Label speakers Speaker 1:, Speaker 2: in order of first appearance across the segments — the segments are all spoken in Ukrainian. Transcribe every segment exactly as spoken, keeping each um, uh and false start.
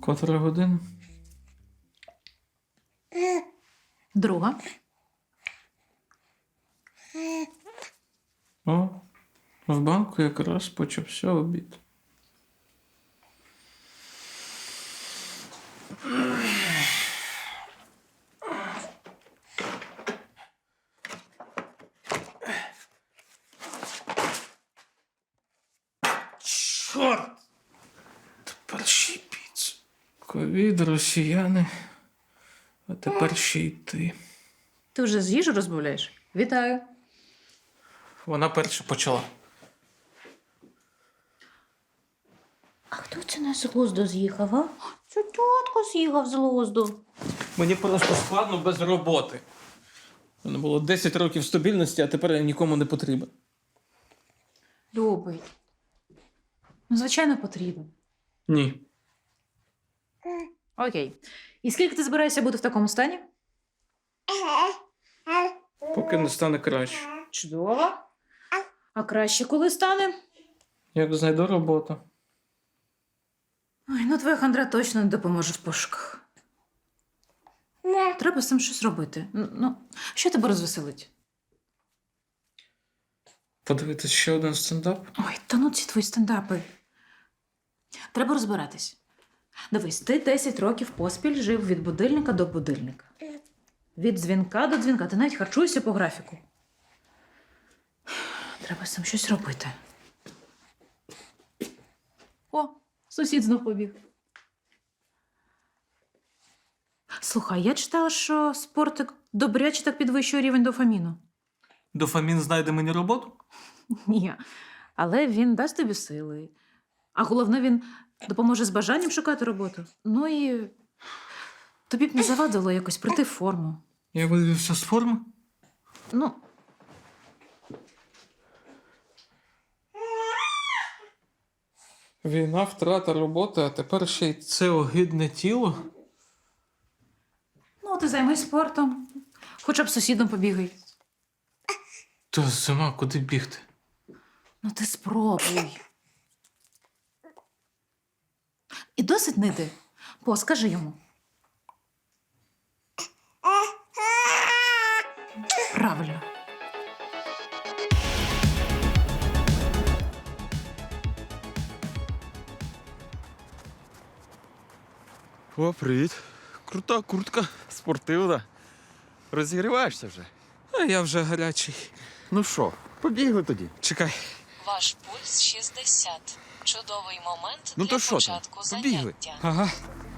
Speaker 1: Котра година?
Speaker 2: Друга.
Speaker 1: О, в банку якраз почався обід. Чорт! Тепер ще й піца. Ковід, росіяни, а тепер ще й ти.
Speaker 2: Ти вже з їжу розмовляєш? Вітаю.
Speaker 1: Вона перша почала.
Speaker 2: А хто це на з глузду з'їхав, а? Це тітко з'їхав з глузду.
Speaker 1: Мені просто складно без роботи. У мене було десять років стабільності, а тепер я нікому не потрібен.
Speaker 2: Любий. Ну, звичайно, потрібен.
Speaker 1: Ні.
Speaker 2: Окей. І скільки ти збираєшся бути в такому стані?
Speaker 1: Поки не стане краще.
Speaker 2: Чудово. А краще коли стане?
Speaker 1: Як знайду роботу.
Speaker 2: Ой, ну твоя хандра точно не допоможе в пошуках. Треба з цим щось робити. Н- Ну, що тебе розвеселить?
Speaker 1: Подивитись ще один стендап?
Speaker 2: Ой, та ну ці твої стендапи. Треба розбиратись. Дивись, ти десять років поспіль жив від будильника до будильника. Від дзвінка до дзвінка. Ти навіть харчуєшся по графіку. Треба з цим щось робити. О, сусід знов побіг. Слухай, я читала, що спортик добряче так підвищує рівень дофаміну.
Speaker 1: Дофамін знайде мені роботу?
Speaker 2: Ні, але він дасть тобі сили. А головне, він допоможе з бажанням шукати роботу. Ну і тобі б не завадило якось прийти в форму.
Speaker 1: Я вивівся з форми?
Speaker 2: Ну,
Speaker 1: Війна, втрата роботи, а тепер ще й це огидне тіло.
Speaker 2: ну ти займись спортом. Хоча б з сусідом побігай.
Speaker 1: То зима, куди бігти?
Speaker 2: Ну ти спробуй. І досить нити. По, скажи йому. Правильно.
Speaker 3: О, привіт. Крута куртка, спортивна. Розігріваєшся вже?
Speaker 1: А я вже гарячий.
Speaker 3: Ну що, побігли тоді.
Speaker 1: Чекай.
Speaker 4: Ваш пульс шістдесят. Чудовий момент
Speaker 3: Ну
Speaker 4: для
Speaker 3: то що там?
Speaker 4: початку
Speaker 3: Побігли.
Speaker 4: заняття.
Speaker 1: Ага.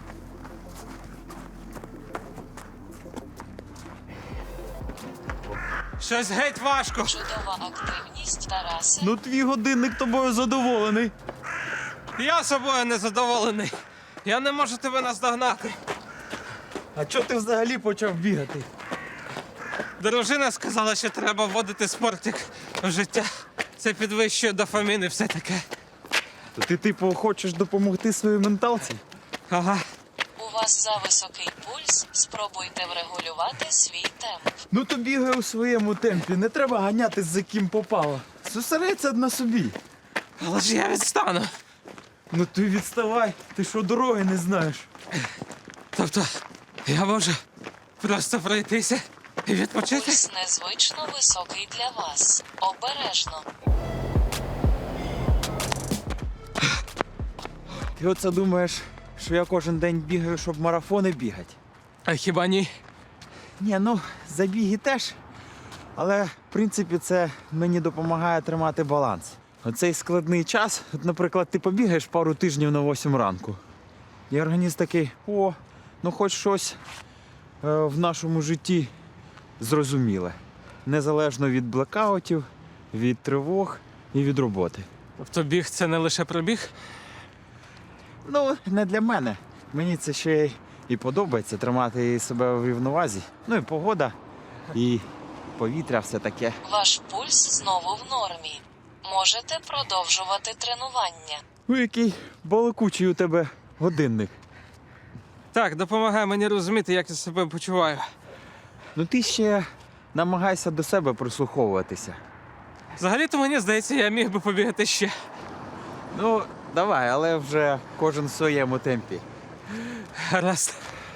Speaker 1: Щось геть важко.
Speaker 4: Чудова активність, Тарасе.
Speaker 3: Ну твій годинник тобою задоволений.
Speaker 1: Я собою не задоволений. Я не можу тебе наздогнати.
Speaker 3: А чого ти взагалі почав бігати?
Speaker 1: Дружина сказала, що треба вводити спортик в життя. Це підвищує дофамін і все таке.
Speaker 3: То ти, типу, хочеш допомогти своїй менталці?
Speaker 1: Ага.
Speaker 4: У вас зависокий пульс. Спробуйте врегулювати свій темп.
Speaker 3: Ну то бігай у своєму темпі, не треба ганятись за ким попало. Зосередься на собі.
Speaker 1: Але ж я відстану.
Speaker 3: Ну ти відставай, ти що дороги не знаєш.
Speaker 1: Тобто, я можу просто пройтися і відпочити?
Speaker 4: Пульс незвично високий для вас. Обережно.
Speaker 3: Ти оце думаєш, що я кожен день бігаю, щоб марафони бігати?
Speaker 1: А хіба ні?
Speaker 3: Ні, ну, забіги теж. Але, в принципі, це мені допомагає тримати баланс. Оцей складний час, от, наприклад, ти побігаєш пару тижнів на восьму ранку. І організм такий, о, ну хоч щось е, в нашому житті зрозуміле. Незалежно від блекаутів, від тривог і від роботи.
Speaker 1: Тобто біг це не лише пробіг?
Speaker 3: Ну, не для мене. Мені це ще й і подобається тримати себе в рівновазі. Ну і погода, і повітря все таке.
Speaker 4: Ваш пульс знову в нормі. Можете продовжувати тренування.
Speaker 3: Ну, який балакучий у тебе годинник.
Speaker 1: Так, допомагає мені розуміти, як я себе почуваю.
Speaker 3: Ну ти ще намагайся до себе прислуховуватися.
Speaker 1: Взагалі-то мені здається, я міг би побігати ще.
Speaker 3: Ну, давай, але вже кожен в своєму темпі.
Speaker 1: Гаразд.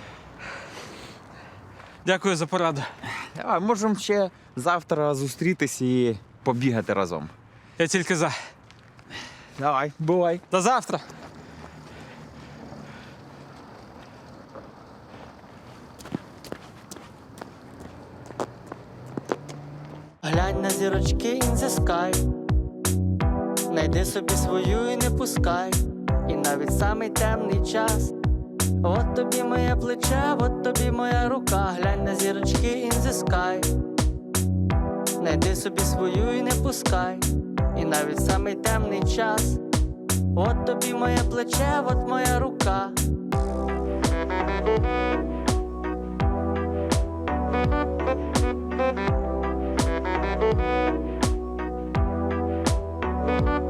Speaker 1: Дякую за пораду.
Speaker 3: Давай, можемо ще завтра зустрітись і побігати разом.
Speaker 1: Я тільки за.
Speaker 3: Давай, бувай.
Speaker 1: До завтра.
Speaker 5: Глянь на зірочки in the sky. Найди собі свою і не пускай. І навіть самий темний час. От тобі моє плече, от тобі моя рука. Глянь на зірочки in the sky. Найди собі свою і не пускай. І навіть самий темний час. От тобі моє плече, от моя рука. Thank you.